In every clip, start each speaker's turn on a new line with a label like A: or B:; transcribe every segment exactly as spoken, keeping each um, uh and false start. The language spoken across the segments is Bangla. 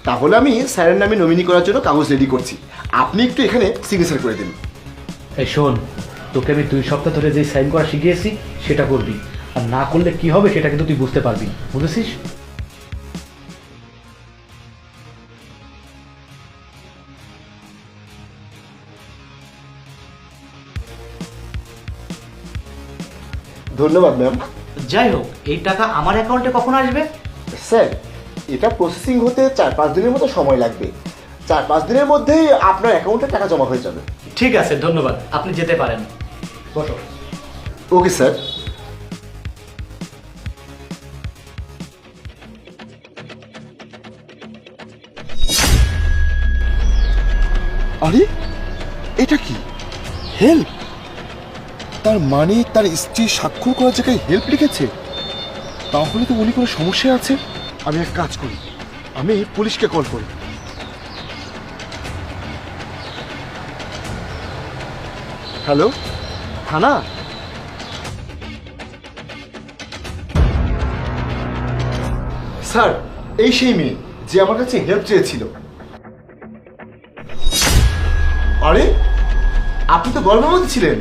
A: তাহলে আমি স্যারের নামে নমিনি করার জন্য কাগজ রেডি করছি, আপনি একটু এখানে সিগনেচার করে দিন।
B: এই শোন, তোকে আমি দুই সপ্তাহ ধরে যে সাইন করা শিখিয়েছি সেটা করবি, আর না করলে কি হবে সেটা কিন্তু তুই বুঝতে পারবি, বুঝেছিস?
A: ধন্যবাদ ম্যাম।
B: যাই হোক, এই টাকা আমার অ্যাকাউন্টে কখন আসবে?
A: স্যার, এটা প্রসেসিং হতে চার পাঁচ দিনের মতো সময় লাগবে, চার পাঁচ দিনের মধ্যেই আপনার অ্যাকাউন্টে টাকা জমা হয়ে যাবে।
B: ঠিক আছে, ধন্যবাদ, আপনি যেতে পারেন। বসো।
A: Okay sir. আরে এটা কি? হেল্প? তার মানে তার স্ত্রী স্বাক্ষর করার জায়গায় হেল্প লিখেছে? তাহলে তো উনি কোনো সমস্যা আছে। আমি এক কাজ করি, আমি পুলিশকে কল করি। হ্যালো, থানা? স্যার, এই সেই মেয়ে যে আমার কাছে হেল্প চেয়েছিল। আরে আপনি তো গর্ভবতী ছিলেন।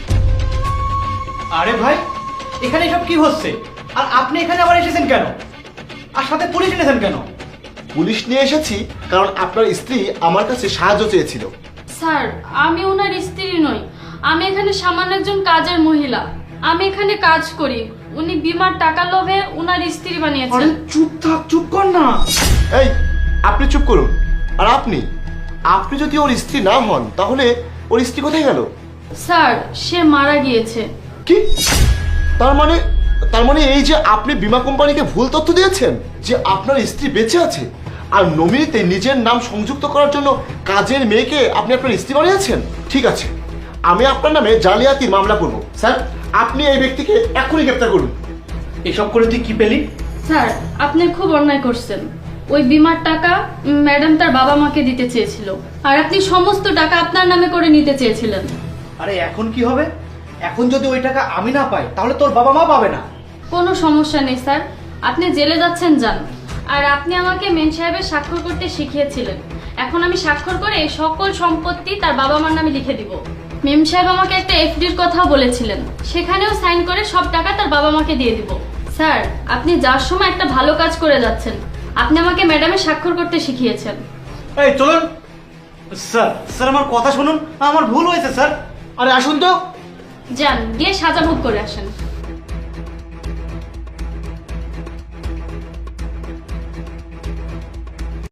B: আরে ভাই, এখানে সব কি হচ্ছে? আর আপনি এখানে আবার এসেছেন কেন? আর সাথে পুলিশ এনেছেন কেন?
A: পুলিশ নিয়ে এসেছি কারণ আপনার স্ত্রী আমার কাছে সাহায্য চেয়েছিল।
C: স্যার, আমি ওনার স্ত্রী নই, আমি এখানে সামান্য একজন কাজের মহিলা। আমি এখানে কাজ করি, উনি বিমার টাকা লোভে ওনার স্ত্রী বানিয়েছেন।
B: চুপ থাক, চুপ কর না।
A: এই, আপনি চুপ করুন। আর আপনি আপনি যদি ওর স্ত্রী না হন তাহলে ওর স্ত্রী কোথায় গেল?
C: স্যার, সে মারা গিয়েছে।
A: কি? তার মানে তার মানে এই যে আপনি বীমা কোম্পানিকে ভুল তথ্য দিয়েছেন যে আপনার স্ত্রী বেঁচে আছে, আর নমিনিতে নিজের নাম সংযুক্ত করার জন্য কাজের মেয়েকে আপনি আপনার স্ত্রী বানিয়েছেন। ঠিক আছে, আমি আপনার নামে জালিয়াতির মামলা করব। স্যার, আপনি এই ব্যক্তিকে এখনই গ্রেপ্তার করুন।
B: এসব করে তুই কি পেলি?
C: স্যার, আপনি খুব অন্যায় করছেন। ওই বিমার টাকা ম্যাডাম তার বাবা মাকে দিতে চেয়েছিল, আর আপনি সমস্ত টাকা আপনার নামে করে নিতে চেয়েছিলেন।
B: আরে এখন কি হবে? এখন যদি ওই টাকা আমি না পাই তাহলে তোর বাবা মা পাবে না।
C: কোনো সমস্যা নেই স্যার, আপনি জেলে যাচ্ছেন যান। আর আপনি আমাকে মেম সাহেবের স্বাক্ষর করতে শিখিয়েছিলেন, এখন আমি স্বাক্ষর করে এই সকল সম্পত্তি তার বাবা মার নামে লিখে দিব। মেম সাহেব আমাকে একটা এফডির কথাও বলেছিলেন, সেখানেও সাইন করে সব টাকা তার বাবা মাকে দিয়ে দিব। স্যার, আপনি যার সময় একটা ভালো কাজ করে যাচ্ছেন, আপনি আমাকে ম্যাডামের স্বাক্ষর করতে শিখিয়েছেন।
B: এই চলুন। স্যার, স্যার আমার কথা শুনুন, আমার ভুল হয়েছে স্যার। আরে আসুন তো।
C: যান, গিয়ে সাজা ভোগ করে আসেন।